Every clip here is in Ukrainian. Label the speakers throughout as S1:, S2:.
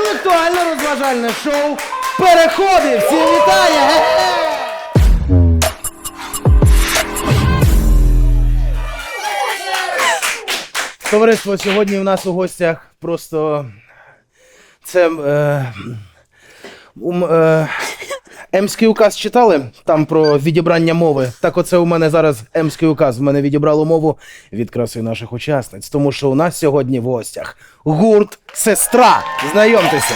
S1: інтелектуально-розважальне шоу «Переходи». Всім вітання! Товариство, сьогодні у нас у гостях просто це Емський указ читали? Там про відібрання мови. Так оце у мене зараз Емський указ. В мене відібрало мову від краси наших учасниць. Тому що у нас сьогодні в гостях гурт «Сестра». Знайомтеся.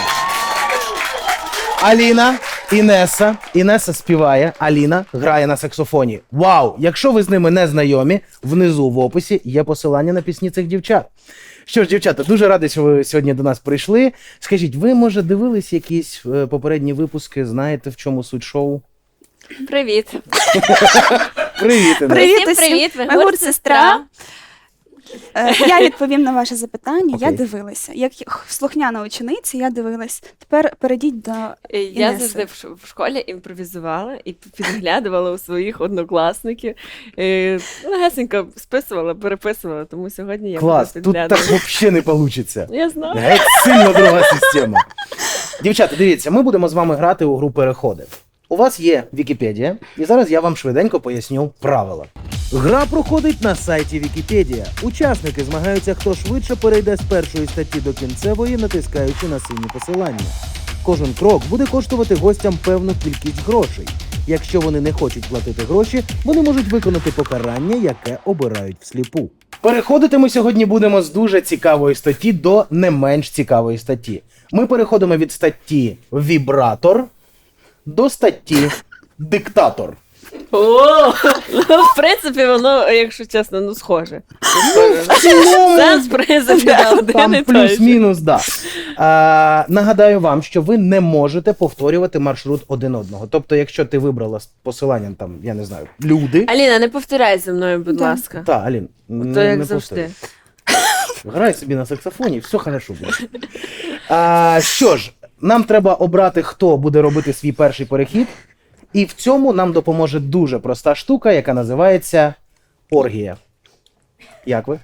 S1: Аліна, Інеса. Інеса співає, Аліна грає на саксофоні. Вау! Якщо ви з ними не знайомі, внизу в описі є посилання на пісні цих дівчат. Що ж, дівчата, дуже радий, що ви сьогодні до нас прийшли. Скажіть, ви, може, дивились якісь попередні випуски, знаєте, в чому суть шоу?
S2: Привіт.
S1: Привіт, Інеса.
S2: Привіт, усім. Привіт, ви
S3: Ми гурт «Сестра». Я відповім на ваше запитання.
S1: Окей.
S3: Я дивилася. Як слухняна учениця, я дивилась. Тепер перейдіть до
S2: Я
S3: Інеси.
S2: завжди в школі імпровізувала і підглядувала у своїх однокласників. Легесенько списувала, переписувала, тому сьогодні я
S1: Клас,
S2: буду
S1: тут так
S2: підглядувати.
S1: взагалі не вийде.
S2: Я знаю.
S1: Геть сильно друга система. Дівчата, дивіться, ми будемо з вами грати у гру «Переходи». У вас є Вікіпедія, і зараз я вам швиденько поясню правила. Гра проходить на сайті Вікіпедія. Учасники змагаються, хто швидше перейде з першої статті до кінцевої, натискаючи на сині посилання. Кожен крок буде коштувати гостям певну кількість грошей. Якщо вони не хочуть платити гроші, вони можуть виконати покарання, яке обирають всліпу. Переходити ми сьогодні будемо з дуже цікавої статті до не менш цікавої статті. Ми переходимо від статті «Вібратор» до статті «Диктатор».
S2: О, в принципі, воно, якщо чесно, схоже. Сенс, в принципі, один і
S1: Там
S2: той же.
S1: плюс-мінус, да. Нагадаю вам, що ви не можете повторювати маршрут один одного. Тобто, якщо ти вибрала з посиланням, там, я не знаю, люди...
S2: Аліна, не повторяй за мною, будь
S3: Да.
S2: ласка.
S1: Та, Алін,
S2: То як
S1: не
S2: завжди.
S1: повторюй. Грай собі на саксофоні, все хорошо буде. Що ж, нам треба обрати, хто буде робити свій перший перехід. І в цьому нам допоможе дуже проста штука, яка називається оргія. Як ви?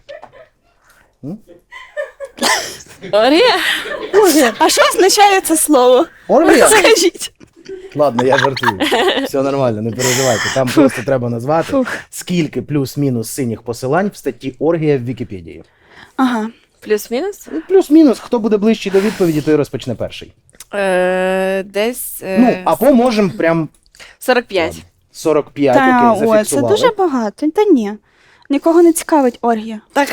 S2: Орія?
S3: А що означає це слово?
S1: Оргія?
S3: Скажіть.
S1: Ладно, я жартую. Все нормально, не переживайте. Там просто треба назвати, скільки плюс-мінус синіх посилань в статті оргія в Вікіпедії.
S3: Ага.
S2: Плюс-мінус?
S1: Ну, плюс-мінус, хто буде ближчий до відповіді, той розпочне перший.
S2: Десь
S1: Ну, або можемо прям
S2: 45.
S1: 45,
S3: Та,
S1: окей,
S3: о, це
S1: зафіксували.
S3: дуже багато. Та ні. Нікого не цікавить оргія.
S2: Так,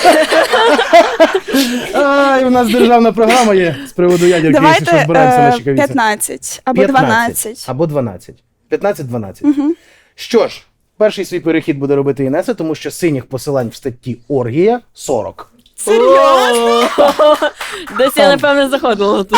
S1: Ай, у нас державна програма є з приводу ядерки, якщо що
S3: Давайте
S1: збираємося на Чекавіці.
S3: 15 або 12.
S1: Або 12. 15-12.
S3: Угу.
S1: Що ж, перший свій перехід буде робити Інеса, тому що синіх посилань в статті оргія 40.
S3: Серйозно?
S2: Десь я, напевно, заходила на ту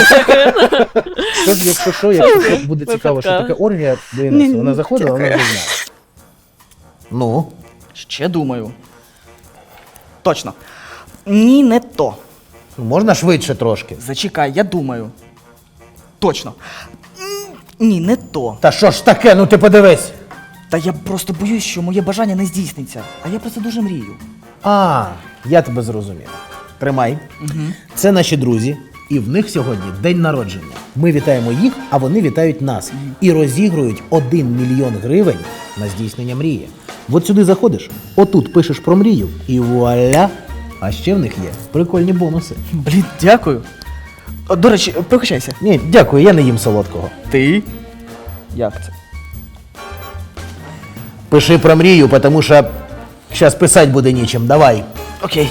S1: Тож, якщо буде цікаво, що таке оргія до Інеси,
S3: Ні,
S1: вона заходила, вона
S3: дякую.
S1: вже знає. Ну?
S4: Ще думаю. Точно. Ні, не то.
S1: Можна швидше трошки?
S4: Зачекай, я думаю. Точно. Ні, не то.
S1: Та що ж таке, ну ти подивись.
S4: Та я просто боюсь, що моє бажання не здійсниться. А я про це дуже мрію.
S1: Я тебе зрозумів. Тримай. Це наші друзі, і в них сьогодні день народження. Ми вітаємо їх, а вони вітають нас. І розігрують 1 мільйон гривень на здійснення мрії. От сюди заходиш, отут пишеш про мрію, і вуаля! А ще в них є прикольні бонуси.
S4: Блін, дякую. До речі, пригощайся.
S1: Ні, дякую, я не їм солодкого.
S4: Ти? Як це?
S1: Пиши про мрію, тому що зараз писати буде нічим. Давай.
S4: Окей.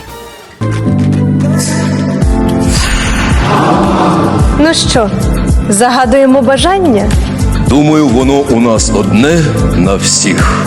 S5: Ну що, загадуємо бажання?
S6: Думаю, воно у нас одне на всіх.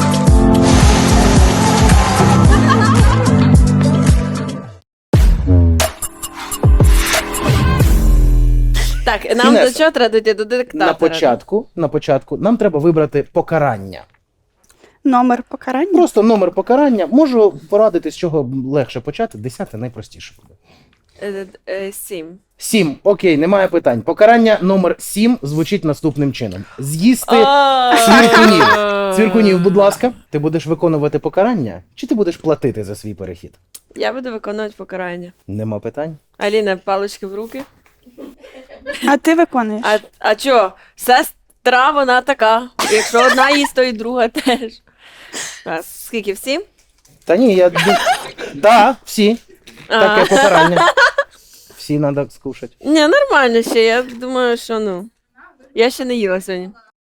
S2: Так, нам
S1: Інеса,
S2: до чого треба дійти? До диктатора.
S1: На початку нам треба вибрати покарання.
S3: Номер покарання.
S1: Просто номер покарання. Можу порадити, з чого легше почати. 10 найпростіше буде.
S2: 7.
S1: 7. Окей, немає питань. Покарання номер 7 звучить наступним чином. З'їсти цвіркунів. Цвіркунів, будь ласка. Ти будеш виконувати покарання, чи ти будеш платити за свій перехід?
S2: Я буду виконувати покарання.
S1: Нема питань.
S2: Аліна, палички в руки.
S3: А ти виконуєш.
S2: А чо? Сестра, вона така. Якщо одна їсть, то і друга теж. А скільки всі?
S1: Та ні, да, всі. Таке покарання. Всі треба скушати.
S2: Ні, нормально ще. Я думаю, що ну. Я ще не їла сьогодні.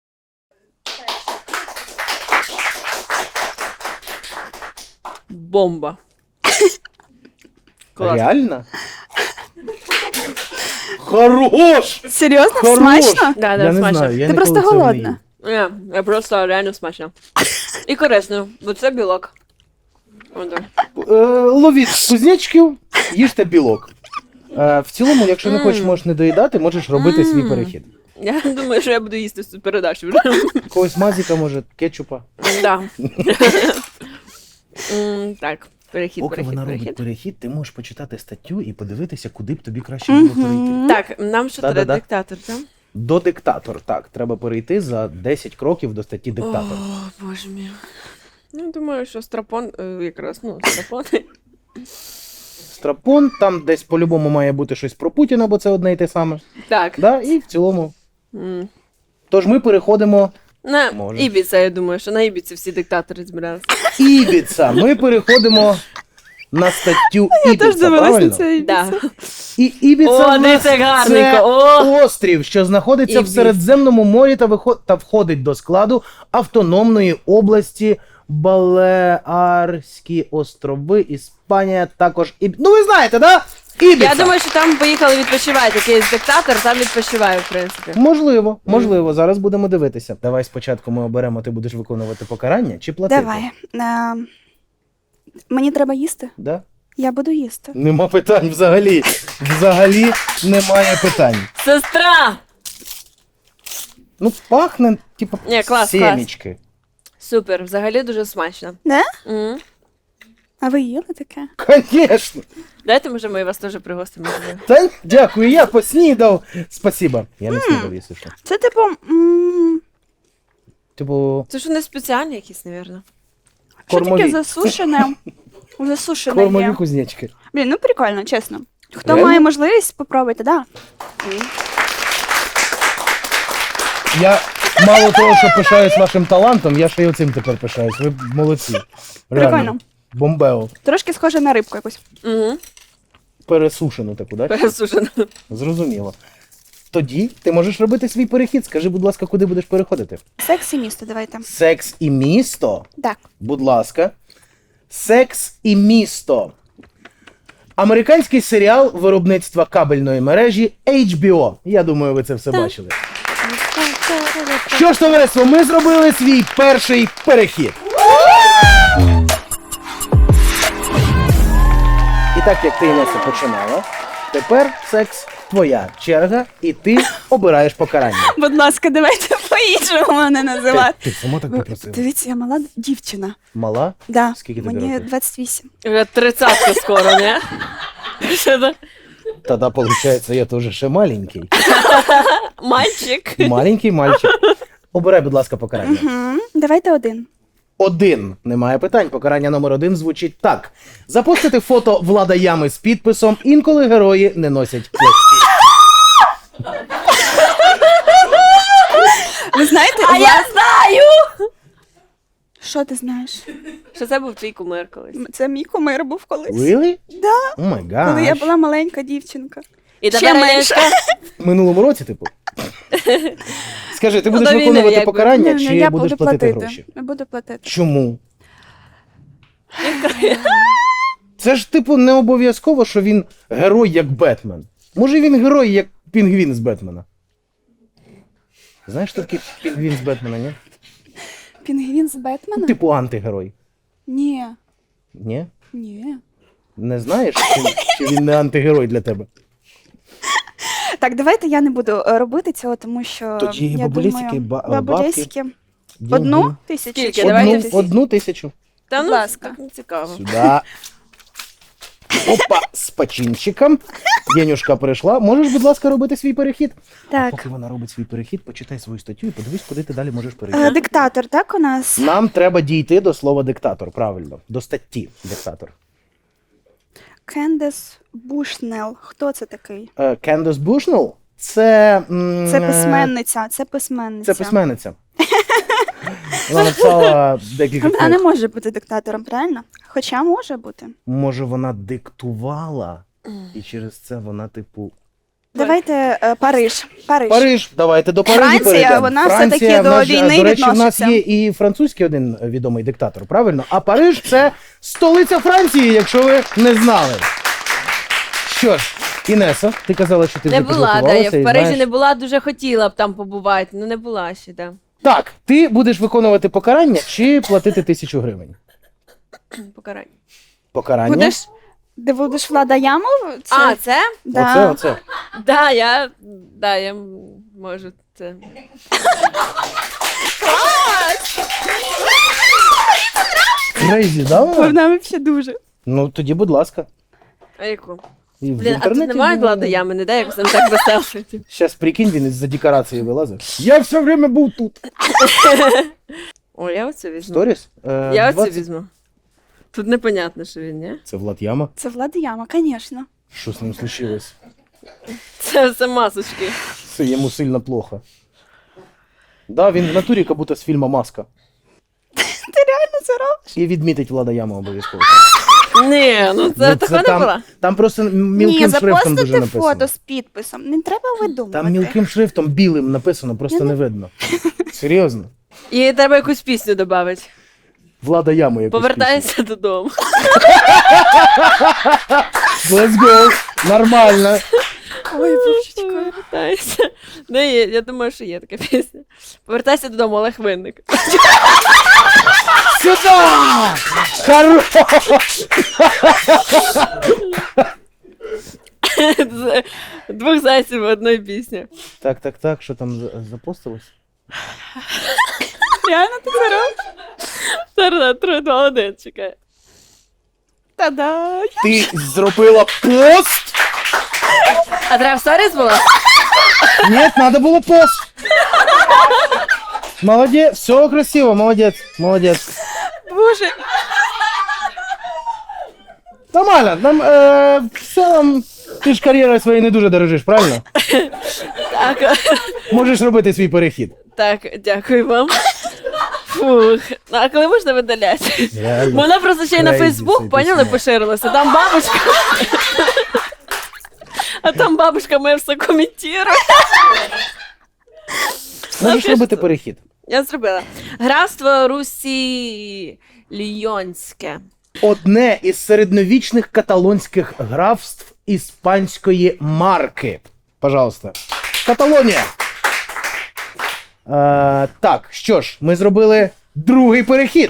S2: Бомба. Клас.
S1: Реально? Хорош!
S3: Серйозно?
S1: Хорош!
S3: Смачно?
S2: Да,
S1: Я не
S2: смачно.
S1: знаю, я
S3: Ти
S1: ніколи
S3: просто
S1: цього не
S3: голодна.
S1: їв.
S2: Ні, я просто реально смачно. І корисно, бо це білок. Отак.
S1: Ловіть кузнечків, їжте білок. В цілому, якщо не хочеш, можеш не доїдати, можеш робити свій перехід.
S2: Я думаю, що я буду їсти цю передачу вже.
S1: Когось мазіка, може, кетчупа.
S2: Да. Так, перехід,
S1: Поки вона робить
S2: перехід.
S1: перехід, ти можеш почитати статтю і подивитися, куди б тобі краще було перейти.
S2: Так, нам що треба
S1: Да-да-да.
S2: диктатор, так?
S1: До диктатор, так. Треба перейти за 10 кроків до статті диктатор.
S2: О, боже мій. Ну, думаю, що страпон, якраз, страпон.
S1: Страпон, там десь по-любому має бути щось про Путіна, бо це одне і те саме.
S2: Так.
S1: Да? І в цілому.
S2: М.
S1: Тож ми переходимо.
S2: На
S1: Може.
S2: Ібіца, я думаю, що на Ібіці всі диктатори збиралися.
S1: Ібіца. Ми переходимо на статтю Ібіца, правильно?
S2: Да.
S1: І Ібіца
S2: О,
S1: в нас
S2: дивіться, гарненько,
S1: це
S2: о!
S1: острів, що знаходиться в
S2: Ібіц.
S1: Середземному морі та входить до складу автономної області Балеарські острови, Іспанія, також Ну ви знаєте, да? Ібіца.
S2: Я думаю, що там поїхали відпочивати. Якийсь диктатор, там відпочиває, в принципі.
S1: Можливо, зараз будемо дивитися. Давай спочатку ми оберемо, ти будеш виконувати покарання чи платити?
S3: Давай. Мені треба їсти?
S1: Да?
S3: Я буду їсти.
S1: Нема питань взагалі. Взагалі немає питань.
S2: Сестра!
S1: Ну, пахне, типу,
S2: Ні, клас,
S1: сімічки.
S2: Супер, взагалі дуже смачно.
S3: Не?
S2: М.
S3: А ви їли таке?
S1: Конечно.
S2: Дайте, може, ми вас теж пригостимо.
S1: Та дякую, я поснідав. Спасибо. Я не снідав, якщо що.
S3: Це типу.
S1: Типу,
S2: Це ж не спеціальні якісь, напевно.
S3: Що таке
S1: кормові.
S3: засушене? Засушене
S1: Кормові
S3: є.
S1: кузнечки.
S3: Блін, ну прикольно, чесно. Хто
S1: Реально?
S3: має можливість, попробуйте, да.
S1: Я мало того, що пишаюсь вашим талантом, я ще й оцим тепер пишаюсь. Ви молодці. Реально.
S3: Прикольно.
S1: Бомбео.
S3: Трошки схоже на рибку якусь.
S2: Угу.
S1: Пересушену таку, так?
S2: Пересушено.
S1: Зрозуміло. Тоді ти можеш робити свій перехід. Скажи, будь ласка, куди будеш переходити?
S3: Секс і місто, давайте.
S1: Секс і місто?
S3: Так.
S1: Будь ласка. Секс і місто. Американський серіал виробництва кабельної мережі HBO. Я думаю, ви це все бачили. Що ж, товариство, ми зробили свій перший перехід. І так як ти, Інеса, починала, тепер секс твоя черга, і ти обираєш покарання.
S3: Будь ласка, давайте по-іншому мене називати.
S1: Ти сама так попросила.
S3: Дивіться, я мала дівчина.
S1: Мала?
S3: Да.
S1: Скільки тобі
S3: Мені
S1: років?
S3: 28.
S2: Вже 30 скоро, не? Що це?
S1: Тоді, виходить, я теж ще маленький.
S2: Мальчик.
S1: Маленький мальчик. Обирай, будь ласка, покарання.
S3: Давайте один.
S1: 1. Немає питань. Покарання номер 1 звучить так. Запостити фото Влада Ями з підписом «Інколи герої не носять плащі».
S3: Ви знаєте,
S2: А я знаю!
S3: що ти знаєш?
S2: Що це був твій кумир колись.
S3: Це мій кумир був колись.
S1: Really?
S3: Да.
S1: О май гаш.
S3: Коли я була маленька дівчинка.
S2: І
S3: Ще
S2: тепер
S3: менше.
S2: Олешка.
S1: В минулому році, типу? Скажи, ти будеш
S2: До війни,
S1: виконувати
S2: якби.
S1: покарання,
S3: Ні,
S1: чи
S3: я
S1: будеш
S3: буду
S1: платити
S3: платити.
S1: гроші?
S3: Я буду платити.
S1: Чому? Це ж, типу, не обов'язково, що він герой, як Бетмен. Може, він герой, як пінгвін з Бетмена. Знаєш, що таке пінгвін з Бетмена, ні?
S3: Пінгвін з Бетмена?
S1: Типу антигерой.
S3: Ні.
S1: Ні?
S3: Ні.
S1: Не знаєш, чи він не антигерой для тебе?
S3: Так, давайте я не буду робити цього, тому що
S1: Тоді
S3: я
S1: бабулєсики,
S3: думаю,
S1: бабки.
S3: бабулєсики. 1 тисячу?
S2: Скільки?
S3: чи
S2: Давайте
S3: 2
S1: Одну
S3: тисячі?
S1: тисячу.
S2: Та
S3: Будь
S2: ну,
S3: ласка.
S2: так не цікаво.
S1: Сюда. Опа, з починчиком. Єнюшка прийшла. Можеш, будь ласка, робити свій перехід?
S3: Так.
S1: Поки вона робить свій перехід, почитай свою статтю і подивись, куди ти далі можеш перейти.
S3: Диктатор, так, у нас?
S1: Нам треба дійти до слова диктатор, правильно. До статті диктатор.
S3: Кендес Бушнел. Хто це такий?
S1: Кендес Бушнелл? Це...
S3: Це письменниця, це письменниця.
S1: Це письменниця. Вона написала декілька
S3: Вона не
S1: книг.
S3: може бути диктатором, правильно? Хоча може бути.
S1: Може, вона диктувала, і через це вона, типу...
S3: Давайте Париж. Париж.
S1: Париж, давайте до Парижу
S3: Франція,
S1: перейдемо.
S3: вона
S1: Франція,
S3: все-таки
S1: в нас
S3: до
S1: же,
S3: війни
S1: до речі, в нас
S3: відноситься.
S1: є і французький один відомий диктатор, правильно? А Париж – це столиця Франції, якщо ви не знали. Що ж, Інесо, ти казала, що ти
S2: Не
S1: вже
S2: була, да, я
S1: підготувалася і
S2: в Парижі
S1: знаєш.
S2: не була, дуже хотіла б там побувати, ну не була ще, да.
S1: Так, ти будеш виконувати покарання чи платити 1000 гривень?
S2: Покарання.
S1: Покарання?
S3: Будеш? Де будеш Влада Ямов? Це...
S2: А, це?
S3: Да.
S1: Оце.
S2: Да, я можу це.
S1: Крейзі, да? вона?
S3: Вона взагалі дуже.
S1: Ну, тоді, будь ласка.
S2: А яку?
S1: І в
S2: Блін, а тут немає Влада Ями, не дай якось там так весело.
S1: Щас прикинь, він із-за декорації вилазив. Я все время був тут.
S2: О, я оце візьму.
S1: Сторіс?
S2: Я оце візьму. Тут непонятно, що він, ні?
S1: Це Влад Яма.
S3: Це Влада Яма, звісно.
S1: Що з ним случилось?
S2: Це все масочки.
S1: Все, йому сильно плохо. Да, він в натурі, як будто з фільму «Маска».
S3: Ти реально це робиш?
S1: І відмітить Влада Яма обов'язково.
S2: Ні, ну це такого не було.
S1: Там просто
S3: Ні,
S1: мілким шрифтом дуже
S3: запостити
S1: написано.
S3: фото з підписом. Не треба видумувати.
S1: Там мілким шрифтом білим написано, просто не видно. Серйозно.
S2: І треба якусь пісню додати.
S1: Влада Яма якусь
S2: Повертайся додому.
S1: пісню. Let's go. Нормально.
S3: Ой, божечко.
S2: Повертайся. Не є, я думаю, що є така пісня. Повертайся додому, Олег Винник.
S1: Сюда! Хорош!
S2: З двох зайців в одній пісні.
S1: Так, що там запостилось?
S3: Реально ти це робиш?
S2: Зараз 3, 2, 1, чекай.
S3: Та-да!
S1: Ти зробила пост?
S2: А треба в сторіс було?
S1: Ні, надо було пост. Молодець, все красиво, молодець.
S3: Боже,
S1: Нормально, нам в цілому ти ж кар'єрою своєю не дуже дорожиш, правильно?
S2: Так,
S1: Можеш робити свій перехід.
S2: так, дякую вам. Фух. Ну, а коли можна видаляти? Вона просто ще й на
S1: Crazy цей
S2: Фейсбук, поняли,
S1: пісня.
S2: поширилася. Там бабушка. А там бабушка моя все коментує.
S1: Можеш
S2: ти
S1: робити
S2: що?
S1: перехід.
S2: Я зробила. Графство Русі Лійонське.
S1: Одне із середньовічних каталонських графств іспанської марки. Пожалуйста. Каталонія. Так, що ж, ми зробили другий перехід.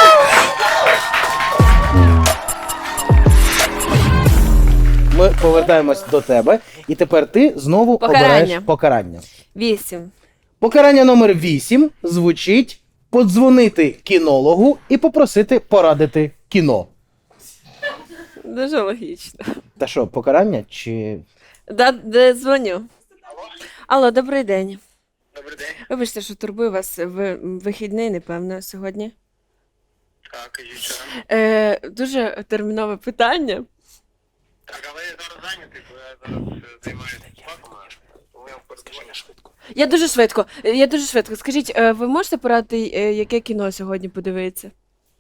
S1: Ми повертаємось до тебе, і тепер ти знову
S2: Покарання.
S1: обираєш покарання.
S2: 8.
S1: Покарання номер 8 звучить подзвонити кінологу і попросити порадити кіно.
S2: Дуже логічно.
S1: Та що, покарання чи.
S2: Де дзвоню? Алло, добрий день. Добрий день. Вибачте, що турбую вас в вихідний, напевно, сьогодні.
S7: Так, кажіть, що?
S2: Дуже термінове питання.
S7: Так, але я зараз зайнятий, бо я зараз займаюся спаками, тому я передзвоню швидко.
S2: Я дуже швидко. Скажіть, ви можете порадити, яке кіно сьогодні подивитися?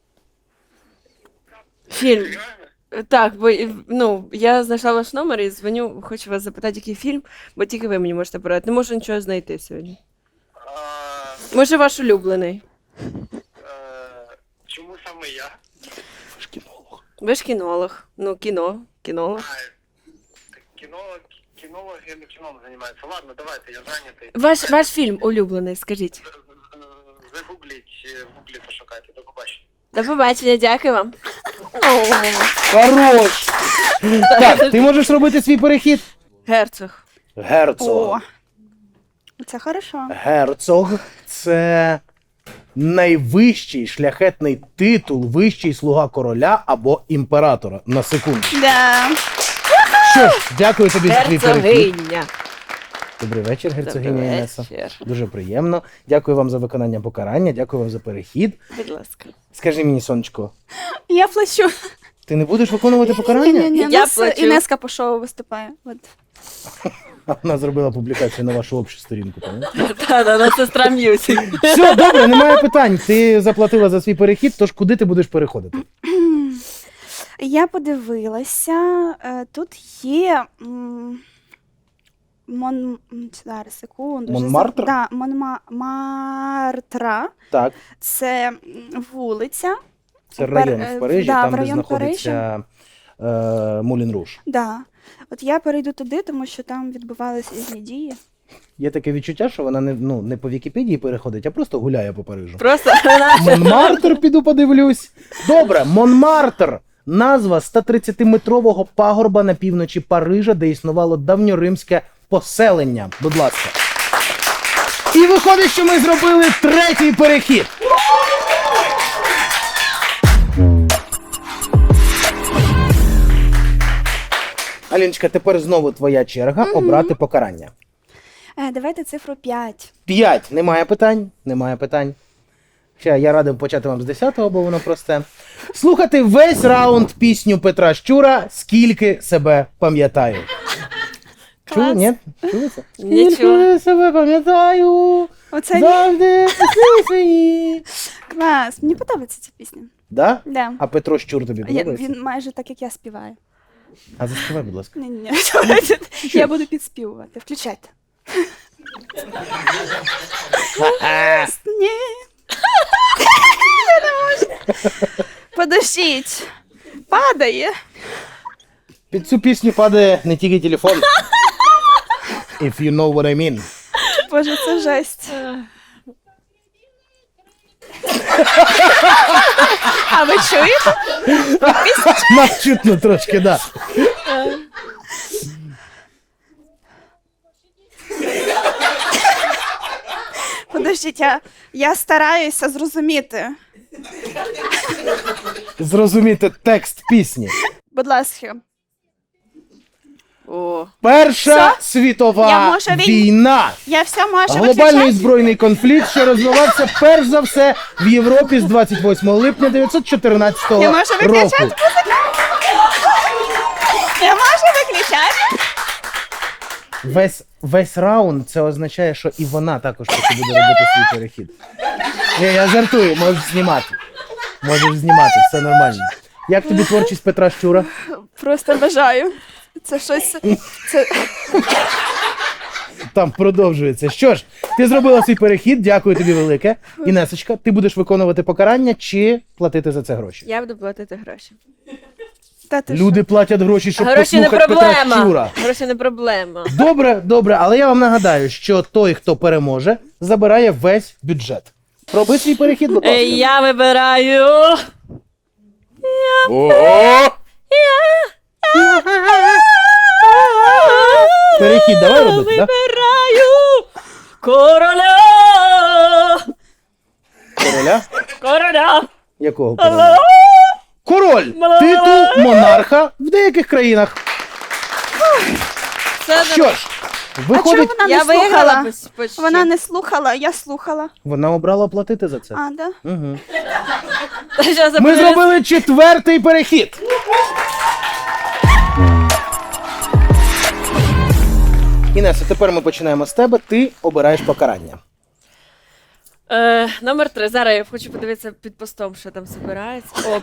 S2: Фільм. Так, бо ну, я знайшла ваш номер і дзвоню, хочу вас запитати, який фільм, бо тільки ви мені можете порадити. Не можу нічого знайти сьогодні. Може, ваш улюблений?
S7: Чому саме я?
S2: Ви ж кінолог. Ну, кінолог.
S7: Кінологи не кіном займаються. Ладно, давайте, я зайнятий.
S2: Ваш фільм улюблений, скажіть.
S7: Загугліть, в гуглі пошукайте, до побачення.
S2: До побачення, дякую вам.
S1: Хорош! Так, ти можеш робити свій перехід?
S2: Герцог.
S1: Герцог.
S3: О, це хорошо.
S1: Герцог це найвищий шляхетний титул, вищий слуга короля або імператора. На секунду.
S3: Да.
S1: Що ж, дякую тобі за твій перехід.
S2: Герцогиня.
S1: Добрий вечір, герцогиня
S2: Добрий
S1: Інеса.
S2: вечір.
S1: Дуже приємно. Дякую вам за виконання покарання, дякую вам за перехід.
S2: Будь ласка.
S1: Скажи мені, сонечко,
S3: Я плачу.
S1: ти не будеш виконувати покарання?
S3: Ні,
S2: Я
S3: у нас
S2: плачу.
S3: Інеска по шоу виступає. От.
S1: А вона зробила публікацію на вашу общу сторінку, пам'ятаєш?
S2: Та, сестра М'юзик.
S1: Все, добре, немає питань. Ти заплатила за свій перехід, тож куди ти будеш переходити?
S3: Я подивилася, тут є. Зараз, секунду.
S1: Монмартр?
S3: Так, Монмартра.
S1: Так,
S3: Це вулиця.
S1: це район в Парижі,
S3: да,
S1: там,
S3: в
S1: де
S3: район
S1: знаходиться Мулін Руж.
S3: Да. От я перейду туди, тому що там відбувалися різні дії.
S1: Є таке відчуття, що вона не по Вікіпедії переходить, а просто гуляє по Парижу.
S2: Просто
S1: Монмартр, піду подивлюсь. Добре, Монмартр. Назва 130-метрового пагорба на півночі Парижа, де існувало давньоримське поселення. Будь ласка. І виходить, що ми зробили третій перехід. Аліночка, тепер знову твоя черга обрати покарання.
S3: Давайте цифру 5.
S1: 5. Немає питань? Немає питань. Ще я радив почати вам з 10-го, бо воно просте. Слухати весь раунд пісню Петра Щура «Скільки себе пам'ятаю». Чули? Ні? Чули це?
S2: Не чула.
S1: Скільки себе пам'ятаю,
S3: Оце
S1: завжди всі свої.
S3: клас. Мені подобається ця пісня.
S1: Да?
S3: Да.
S1: А Петро Щур тобі подобається?
S3: Він майже так, як я співаю.
S1: А заспівай, будь ласка.
S3: Ні. Я буду підспівувати. Включайте. Ні. Я не можу. Подождіть. Падає.
S1: Під цю пісню падає не тільки телефон. If you know what I mean.
S3: Боже, це жесть. А ви чуєте?
S1: Нас чутно трошки, да.
S3: Подождіть, я стараюся зрозуміти.
S1: Зрозуміти текст пісні.
S3: Будь ласка.
S2: О.
S1: Перша
S3: Я
S1: світова
S3: можу
S1: війна.
S3: Я все можу
S1: Глобальний
S3: виключати?
S1: збройний конфлікт, що розвивався перш за все в Європі з 28 липня 1914
S3: Я можу
S1: року.
S3: виключати? Я можу виключати?
S1: Весь раунд це означає, що і вона також поки буде робити свій перехід. Я жартую, можеш знімати. Можеш знімати, все нормально. Як тобі творчість Петра Щура?
S3: Просто бажаю. Це щось. Це...
S1: Там продовжується. Що ж, ти зробила свій перехід, дякую тобі велике. Інесочка, ти будеш виконувати покарання чи платити за це гроші?
S2: Я буду платити гроші.
S3: Та ти
S1: Люди платять гроші, щоб
S2: Гроші не
S1: послухати Петра
S2: проблема.
S1: Щура.
S2: Гроші не проблема.
S1: Добре, але я вам нагадаю, що той, хто переможе, забирає весь бюджет. Роби свій перехід, будь ласка.
S2: Я вибираю.
S1: Перехід давай робити, так?
S2: Вибираю короля.
S1: Короля?
S2: Короля.
S1: Якого короля? Король! Титул монарха в деяких країнах.
S2: Це
S1: Що ж,
S3: А чому
S1: виходить,
S3: вона не
S2: я виграла
S3: слухала?
S2: почти.
S3: Вона не слухала, я слухала.
S1: вона обрала платити за це.
S3: А, да?
S1: Угу.
S2: Щас
S1: Ми
S2: я
S1: зробили четвертий перехід. Інеса, тепер ми починаємо з тебе. Ти обираєш покарання.
S2: Номер 3. Зараз я хочу подивитися під постом, що там збирається. О,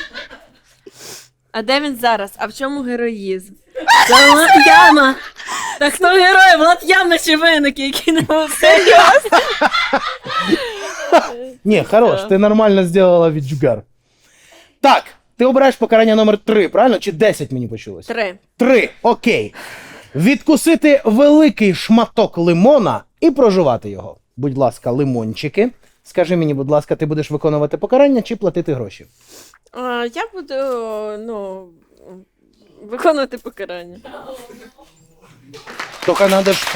S2: а де він зараз? А в чому героїзм? Це Влад Яма! Та хто герой? Влад Яма чи виники, які не серйозно?
S1: Ні, хорош, ти нормально зробила віджгар. Так, ти обираєш покарання номер 3, правильно? Чи 10 мені почулось?
S2: 3.
S1: 3, окей. Відкусити великий шматок лимона і прожувати його. Будь ласка, лимончики. Скажи мені, будь ласка, ти будеш виконувати покарання чи платити гроші?
S2: Я буду, виконувати покарання.
S1: Тільки треба ж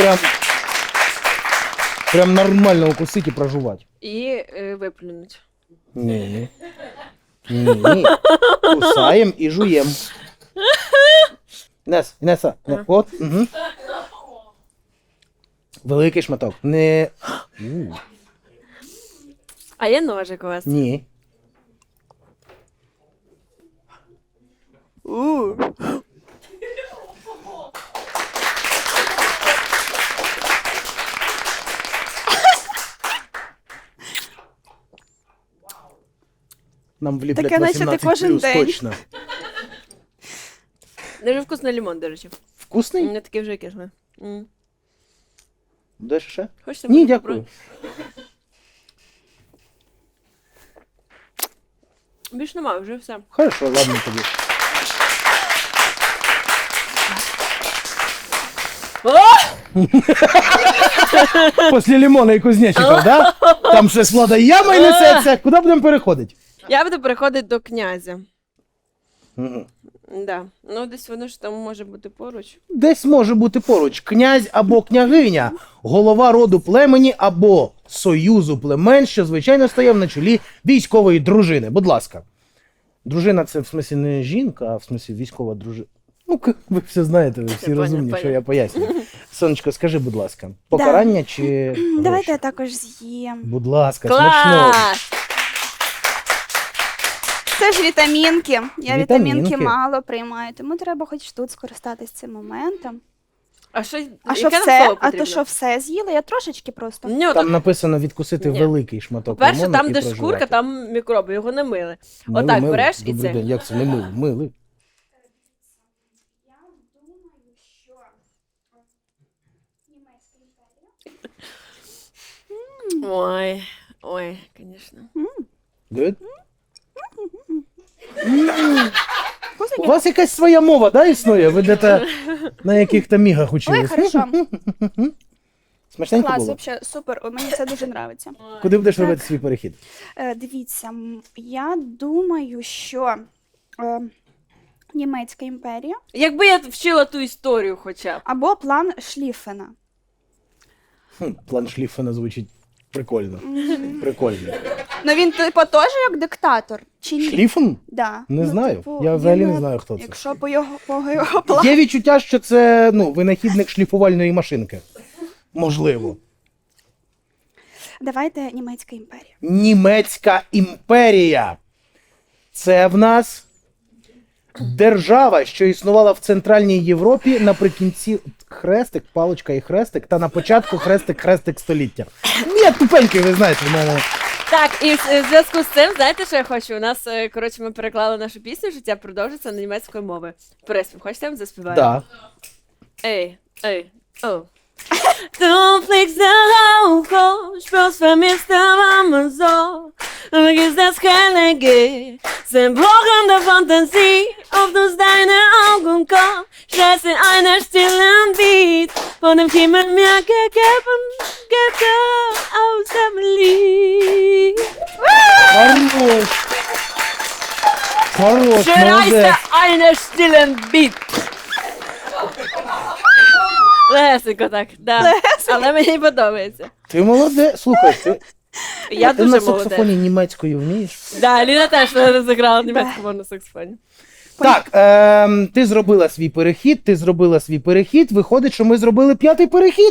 S1: прям нормально укусити і прожувати.
S2: І виплюнуть.
S1: Ні. Ні. Кусаємо і жуємо. Інеса, от. Угу. Великий шматок. Не.
S2: А є ножик у вас?
S1: Ні. Нам вліплять
S3: Таке, наче ти
S1: 18
S3: кожен
S1: плюс,
S3: день.
S1: точно.
S2: Дуже вкусний лимон, до речі.
S1: Вкусний?
S2: Не такий вже кислий.
S1: Будеш ще?
S2: Хочете?
S1: Ні,
S2: можу
S1: дякую.
S2: попробувати? Більш немає, вже все.
S1: Хорошо, ладно тобі. Після лимона і кузнечиків, да? Там щось влада яма і несеться. Куди будемо переходити?
S2: Я буду переходити до князя.
S1: Мгм.
S2: Да. Ну, десь воно ж там може бути поруч.
S1: Десь може бути поруч князь або княгиня, голова роду племені або союзу племен, що звичайно стояв на чолі військової дружини. Будь ласка. Дружина це в смислі не жінка, а в смислі військова дружина. Ну, ви все знаєте, ви всі
S2: Я
S1: розумні,
S2: поняла.
S1: що я пояснюю. Сонечко, скажи, будь ласка, покарання чи гроші?
S3: Давайте я також з'їм.
S1: Будь ласка, смачного.
S2: Клас!
S3: Це ж вітамінки. Я
S1: Вітамінки.
S3: вітамінки мало приймаю, тому треба хоч тут скористатись цим моментом.
S2: А що,
S3: А що
S2: яке нам
S3: все?
S2: слово
S3: А то
S2: потрібно?
S3: що все з'їла? Я трошечки просто.
S2: Ні,
S1: Там написано відкусити
S2: Ні.
S1: великий шматок
S2: по-перше,
S1: лимону
S2: там,
S1: і
S2: де
S1: прожувати.
S2: шкурка, там мікроби, його не мили.
S1: Мили,
S2: Отак
S1: мили.
S2: береш і
S1: Добрий
S2: це.
S1: день. Як це не мили? Мили.
S2: Ой, ой, звісно.
S1: Good?
S3: Вкусно?
S1: У вас якась своя мова, да, існує? Ви де-то на яких-то мігах
S3: Ой,
S1: учились?
S3: хорошо.
S1: Смачненько
S3: Клас,
S1: було?
S3: взагалі, супер. Мені це дуже подобається.
S1: Куди будеш
S3: Так.
S1: робити свій перехід?
S3: Дивіться, я думаю, що Німецька імперія
S2: Якби я вчила ту історію хоча б.
S3: або план Шліфена.
S1: План Шліффена звучить прикольно. Прикольно.
S3: Ну він типу теж як диктатор, чи ні?
S1: Шліффен?
S3: Да.
S1: Не
S3: Ну,
S1: знаю.
S3: типу,
S1: Я взагалі
S3: він,
S1: не знаю, хто це.
S3: Якщо по його плану.
S1: Є відчуття, що це винахідник шліфувальної машинки. Можливо.
S3: Давайте Німецька імперія.
S1: Німецька імперія. Це в нас держава, що існувала в Центральній Європі наприкінці хрестик, паличка і хрестик, та на початку хрестик століття. Я тупенький, ви знаєте, в мене.
S2: Так, і в зв'язку з цим, знаєте, що я хочу? У нас, коротше, ми переклали нашу пісню «Життя продовжиться» на німецькою мовою. Переспів, хочете, я вам заспіваю?
S1: Да.
S2: Ey, ey, oh. Du fliegst darauf, spürst vermisst aber immer so. Du vergisst das keine G, sind Brochen der Fantasie. Auf uns deine Augen kommen, stellst in einer stillen Beat. Von dem Himmel mir gegeben, gibt er aus dem Lied.
S1: Хорош. Хорош,
S2: Schreist
S1: молодець.
S2: einer stillen Beat. Лесенько так, да. Але мені подобається.
S1: Ти молодець. Слухай, ти
S2: Я
S1: ти
S2: дуже
S1: на саксофоні
S2: молодець.
S1: німецькою вмієш?
S2: Да, Ліна теж розіграла німецьку мову на саксофоні.
S1: Так, ти зробила свій перехід, виходить, що ми зробили 5-й перехід.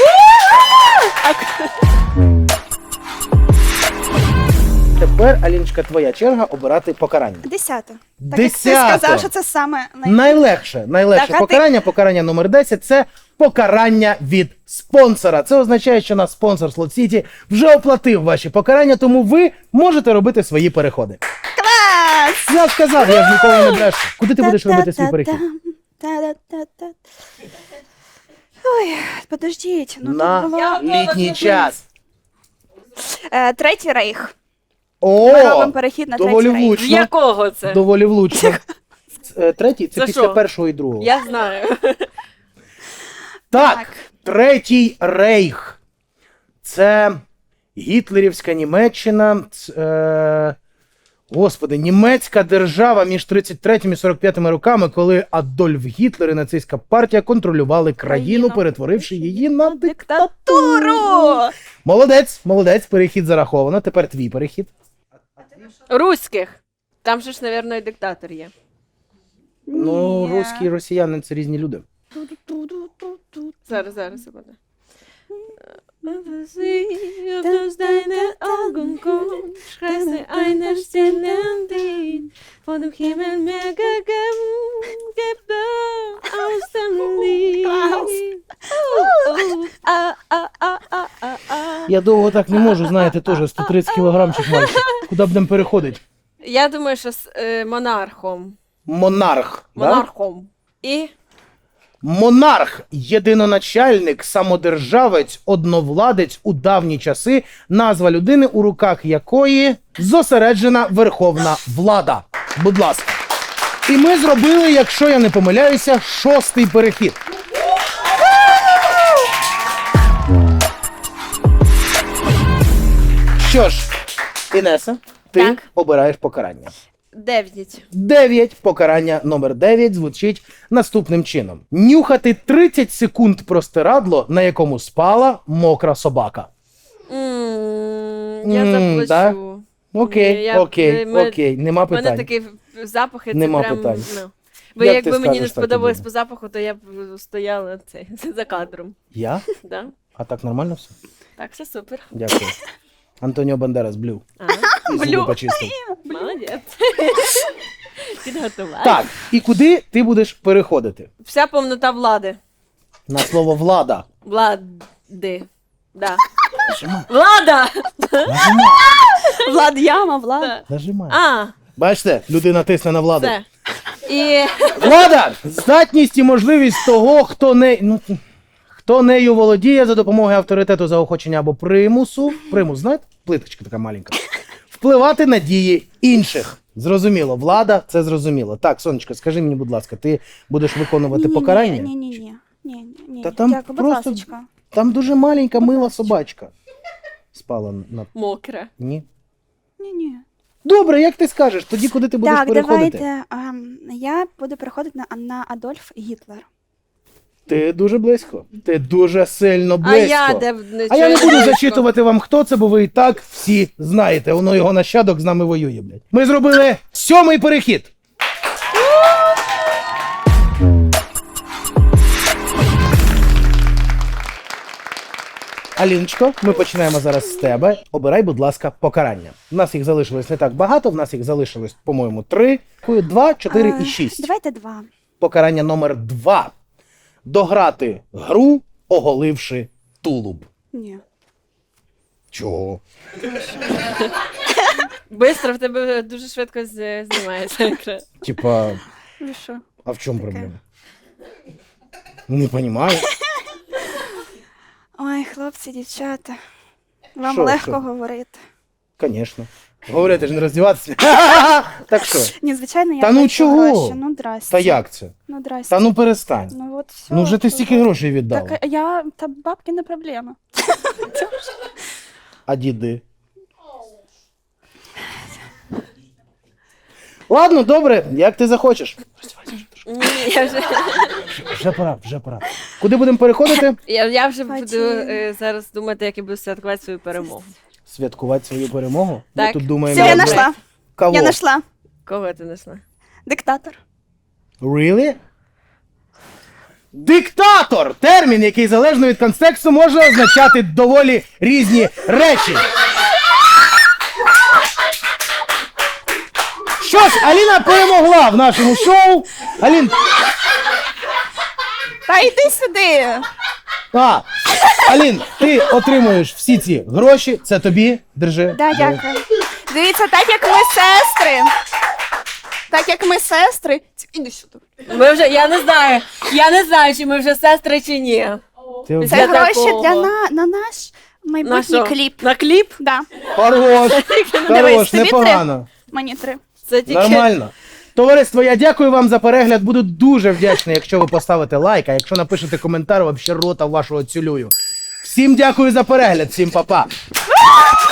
S1: Тепер, Аліночка, твоя черга обирати покарання.
S3: 10. Так як
S1: Десята.
S3: ти сказав, що це саме
S1: Найлегше
S3: Так, а ти-
S1: покарання номер 10 – це покарання від спонсора. Це означає, що наш спонсор Slot City вже оплатив ваші покарання, тому ви можете робити свої переходи.
S3: клас!
S1: Я сказав, я ж ніколи не брешу. Куди ти будеш робити свій перехід?
S3: Та-та-та-та. Ой, подождіть. Ну,
S1: На
S3: тут було...
S1: літній час.
S3: Третій рейх.
S1: О,
S3: Ми робимо перехід на
S1: доволі
S3: третій рейх.
S2: З
S1: влучно.
S2: якого це?
S1: Доволі влучно. Третій – це
S2: Це
S1: після
S2: що?
S1: першого і другого.
S2: Я знаю.
S1: Так,
S3: Так.
S1: Третій рейх. Це гітлерівська Німеччина. Господи, німецька держава між 33 і 45 роками, коли Адольф Гітлер і нацистська партія контролювали країну, перетворивши її на диктатуру. Молодець, перехід зараховано. Тепер твій перехід.
S2: Руських. Там же ж, мабуть, і диктатор є.
S1: Ну,
S3: Ні.
S1: русські і росіяни це різні люди.
S2: Зараз, секунду. Auf deine Augen kommt, schreist du einer stillen Lied. Von dem Himmel mir gegeben, gibt er aus dem Lied.
S1: Я довго так не можу, знаєте, теж 130 кілограмчик майже. Куди будемо переходити?
S2: Я думаю, що з монархом.
S1: Монарх. Да?
S2: Монархом. І
S1: Монарх – єдиноначальник, самодержавець, одновладець у давні часи, назва людини, у руках якої зосереджена верховна влада. Будь ласка. І ми зробили, якщо я не помиляюся, 6-й перехід. Що ж, Інеса, ти
S2: Так.
S1: обираєш покарання.
S2: 9.
S1: 9. Покарання номер 9 звучить наступним чином. Нюхати 30 секунд простирадло, на якому спала мокра собака.
S2: Я заплачу.
S1: да? Окей,
S2: Я-
S1: окей,
S2: ми-
S1: окей, нема
S2: У мене
S1: питань.
S2: такі запахи, це
S1: Нема
S2: прям,
S1: питань.
S2: ну. Бо
S1: Як
S2: якби
S1: ти
S2: мені не
S1: скажеш, так і
S2: сподобалось
S1: буде.
S2: по запаху, то я б стояла за кадром.
S1: Я?
S2: Да?
S1: А так нормально все?
S2: Так, все супер.
S1: Дякую. Антоніо Бандерас, блю.
S2: А,
S1: І зуби почистив.
S2: молодець. Підготував.
S1: Так, і куди ти будеш переходити?
S2: Вся повнота влади.
S1: На слово влада.
S2: Влади. Да. Влада!
S1: Нажимай,
S3: Влад Яма, Влад.
S1: нажимай.
S2: А,
S1: Бачите, людина тисне на владу.
S2: все. І
S1: Влада! Здатність і можливість того, хто нею володіє за допомогою авторитету, заохочення або примусу. Примус, знаєте? Плиточка така маленька. Впливати на дії інших. Зрозуміло, влада, це зрозуміло. Так, сонечко, скажи мені, будь ласка, ти будеш виконувати покарання?
S3: Ні.
S1: Та там
S3: Дякую, будь
S1: просто-
S3: ласочка.
S1: Там дуже маленька мила собачка. Спала на...
S2: мокре.
S1: Ні.
S3: Ні.
S1: Добре, як ти скажеш, тоді куди ти будеш
S3: Так,
S1: переходити?
S3: давайте. Я буду переходити на Адольф Гітлер.
S1: Ти дуже близько. Ти дуже сильно
S2: А
S1: близько.
S2: я де
S1: А я не буду
S2: близько.
S1: зачитувати вам, хто це, бо ви і так всі знаєте. Воно його нащадок з нами воює, блядь. Ми зробили 7-й перехід. Аліночко, ми починаємо зараз з тебе. Обирай, будь ласка, покарання. У нас їх залишилось не так багато, в нас їх залишилось, по-моєму, 3, 2, 4 і 6.
S3: Давайте 2.
S1: Покарання номер 2. Дограти гру, оголивши тулуб.
S3: Ні.
S1: Чого?
S2: Бистро в тебе дуже швидко знімається екран.
S1: Типа,
S3: Ви що?
S1: а в чому
S3: Таке.
S1: проблема? Не розумію.
S3: Ой, хлопці, дівчата. Вам
S1: Що,
S3: легко
S1: що?
S3: говорити.
S1: Звісно. Говорити ж не роздіватися. Так що?
S3: Ні, звичайно, я
S1: Та ну
S3: хочу
S1: чого?
S3: гроші. Ну, здрасте.
S1: Та як це?
S3: Ну, здрасте.
S1: Та ну перестань.
S3: Ну, от все.
S1: Ну вже ти стільки грошей віддала.
S3: Так, та бабки не проблема.
S1: А діди? Ладно, добре, як ти захочеш.
S2: Ні, я вже,
S1: Вже пора. Куди будемо переходити?
S2: я вже буду
S3: Потім.
S2: зараз думати, як я буду святкувати свою перемогу.
S1: Святкувати свою перемогу? Ми
S2: Так.
S1: тут думаємо.
S3: Все, я
S2: Добре.
S3: знайшла.
S1: Кого?
S3: Я знайшла.
S2: Кого ти знайшла?
S3: Диктатор.
S1: Really? Диктатор! Термін, який залежно від контексту може означати доволі різні речі. Що ж, Аліна перемогла в нашому шоу. Алін,
S3: Та йди сюди.
S1: Алін, ти отримуєш всі ці гроші. Це тобі. Держи.
S3: Да, дякую. Дивіться, так як ми сестри. Так як ми сестри. Іди сюди.
S2: Ми вже, я не знаю, чи ми вже сестри чи ні.
S1: Ти
S3: Це
S2: Для
S3: гроші
S2: такого.
S3: на наш
S2: На
S3: майбутній
S2: що?
S3: кліп.
S2: На кліп?
S3: Да.
S1: Хорош,
S3: Дивись, тобі
S1: непогано.
S3: Мені 3.
S2: Це тільки...
S1: Нормально. Товариство, я дякую вам за перегляд. Буду дуже вдячний, якщо ви поставите лайк, а якщо напишете коментар, вообще рота вашого цілюю. Всім дякую за перегляд, всім па-па.